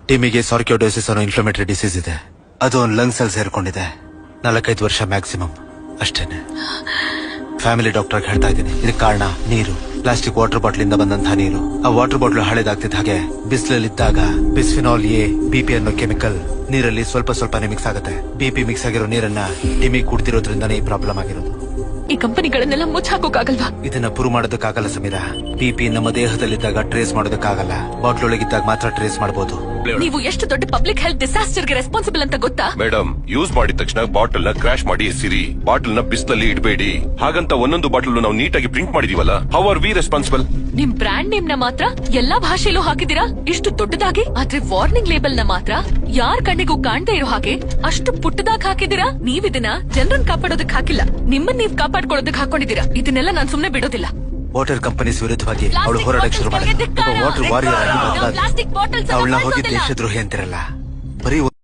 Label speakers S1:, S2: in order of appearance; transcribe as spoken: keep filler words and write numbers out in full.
S1: ಟಿಮಿಗೆ ಸಾರ್ಕ್ಯೋಡೋಸಿಸ್ ಅನ್ನೋ inflammatory disease ಇದೆ. ಅದು ಒಂದು ಲಂಗ್ಸ್ ಅಲ್ಲಿ ಸೇರ್ಕೊಂಡಿದೆ. ನಾಲ್ಕೈದು ವರ್ಷ ಮ್ಯಾಕ್ಸಿಮಮ್ ಅಷ್ಟೇನೆ. ಫ್ಯಾಮಿಲಿ ಡಾಕ್ಟರ್ ಹೇಳ್ತಾ ಇದ್ದೀನಿ, ಇದಕ್ಕೆ ಕಾರಣ ನೀರು. ಪ್ಲಾಸ್ಟಿಕ್ ವಾಟರ್ ಬಾಟಲ್ ಇಂದ ಬಂದಂತಹ ನೀರು. ಆ ವಾಟರ್ ಬಾಟಲ್ ಹಳೆದಾಗ್ತಿದ್ದ ಹಾಗೆ ಬಿಸಿಲಲ್ಲಿದ್ದಾಗ ಬಿಸ್ಫಿನಾಲ್ ಎ ಬಿಪಿ ಅನ್ನೋ ಕೆಮಿಕಲ್ ನೀರಲ್ಲಿ ಸ್ವಲ್ಪ ಸ್ವಲ್ಪನೇ ಮಿಕ್ಸ್ ಆಗುತ್ತೆ. ಬಿಪಿ ಮಿಕ್ಸ್ ಆಗಿರೋ ನೀರನ್ನ ಟಿಮಿ ಕುಡ್ತಿರೋದ್ರಿಂದಾನೇ ಈ ಪ್ರಾಬ್ಲಮ್ ಆಗಿರೋದು.
S2: ಈ ಕಂಪನಿಗಳನ್ನೆಲ್ಲ ಮುಚ್ಚಾಕೋಕಾಗಲ್ವಾ?
S1: ಇದನ್ನ ಪ್ರೂವ್ ಮಾಡೋದಕ್ಕಾಗಲ್ಲ ಸಮೀರಾ. ಬಿಪಿ ನಮ್ಮ ದೇಹದಲ್ಲಿದ್ದಾಗ ಟ್ರೇಸ್ ಮಾಡೋದಕ್ಕಾಗಲ್ಲ. ಬಾಟ್ಲ್ ಒಳಗಿದ್ದಾಗ ಮಾತ್ರ ಟ್ರೇಸ್ ಮಾಡಬಹುದು.
S2: ನೀವು ಎಷ್ಟು ದೊಡ್ಡ ಪಬ್ಲಿಕ್ ಹೆಲ್ತ್ ಡಿಸಾಸ್ಟರ್ ಗೆ ರೆಸ್ಪಾನ್ಸಿಬಲ್ ಅಂತ ಗೊತ್ತಾ?
S3: ಮೇಡಮ್, ಯೂಸ್ ಮಾಡಿದ ತಕ್ಷಣ ಬಾಟಲ್ ನ ಕ್ರಾಶ್ ಮಾಡಿ ಎಸಿರಿ. ಬಾಟಲ್ ನ ಬಿಸಿಲಲ್ಲಿ ಇಡಬೇಡಿ. ಹಾಗಂತ ಒಂದೊಂದು ಬಾಟಲ್ ನಾವು ನೀಟಾಗಿ ಪ್ರಿಂಟ್ ಮಾಡಿದೀವಲ್ಲ. How are we responsible?
S2: ನಿಮ್ ಬ್ರಾಂಡ್ ನೇಮ್ ನ ಮಾತ್ರ ಎಲ್ಲಾ ಭಾಷೆಯಲ್ಲೂ ಹಾಕಿದೀರಾ ಇಷ್ಟು ದೊಡ್ಡದಾಗಿ. ಆದ್ರೆ ವಾರ್ನಿಂಗ್ ಲೇಬಲ್ ನ ಮಾತ್ರ ಯಾರ್ ಕಣ್ಣಿಗೂ ಕಾಣದೇ ಇರೋ ಹಾಗೆ ಅಷ್ಟು ಪುಟ್ಟದಾಗಿ ಹಾಕಿದೀರಾ. ನೀವ್ ಇದನ್ನ ಜನರನ್ನ ಕಾಪಾಡೋದಕ್ ಹಾಕಿಲ್ಲ, ನಿಮ್ಮನ್ನ ನೀವ್ ಕಾಪಾಡ್ಕೊಳ್ಳೋದಕ್ ಹಾಕೊಂಡಿದೀರಾ. ಇದನ್ನೆಲ್ಲ ನಾನ್ ಸುಮ್ನೆ ಬಿಡೋದಿಲ್ಲ.
S1: ವಾಟರ್ ಕಂಪನೀಸ್ ವಿರುದ್ಧವಾಗಿ ಅವಳು ಹೋರಾಡಕ್ಕೆ ಶುರು ಮಾಡಿದ್ರು. ವಾಟರ್ ವಾರಿಯರ್ ಆಗಿ ಬದಲಾದ ಅವಳನ್ನ ಹೋಗಿ ದೇಶದ್ರೋಹಿ ಅಂತಿರಲ್ಲ. ಬರೀ